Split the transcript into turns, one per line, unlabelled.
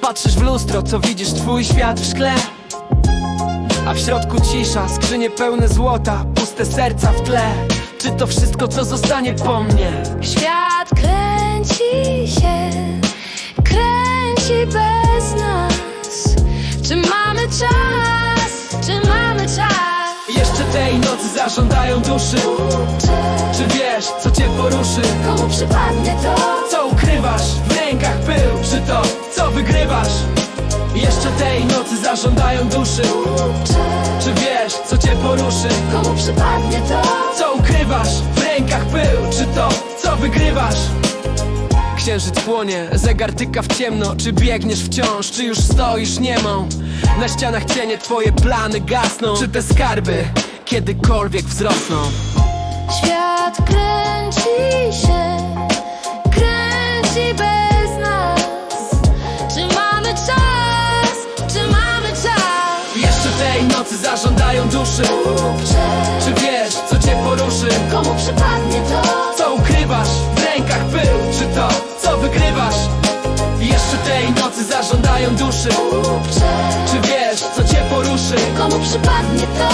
Patrzysz w lustro, co widzisz? Twój świat w szkle, a w środku cisza, skrzynie pełne złota, puste serca w tle. Czy to wszystko, co zostanie po mnie?
Świat kręci się, kręci bez nas. Czy mamy czas? Czy mamy czas?
Jeszcze tej nocy zażądają duszy. Czy wiesz, co cię poruszy?
Komu przypadnie to?
Co ukrywasz? W rękach pył. Czy to, co wygrywasz? Jeszcze tej nocy zażądają duszy. Czy wiesz, co cię poruszy?
Komu przypadnie to?
Co ukrywasz? W rękach pył. Czy to, co wygrywasz? Księżyc płonie, zegar tyka w ciemno. Czy biegniesz wciąż, czy już stoisz niemą? Na ścianach cienie, twoje plany gasną. Czy te skarby kiedykolwiek wzrosną?
Świat kręci się, kręci bez nas. Czy mamy czas? Czy mamy czas?
Jeszcze tej nocy zażądają duszy. Czy wiesz, co cię poruszy?
Komu przypadnie to?
Co ukrywasz? W rękach pył. Czy to, co wygrywasz? Jeszcze tej nocy zażądają duszy. Czy wiesz, co cię poruszy?
Komu przypadnie to?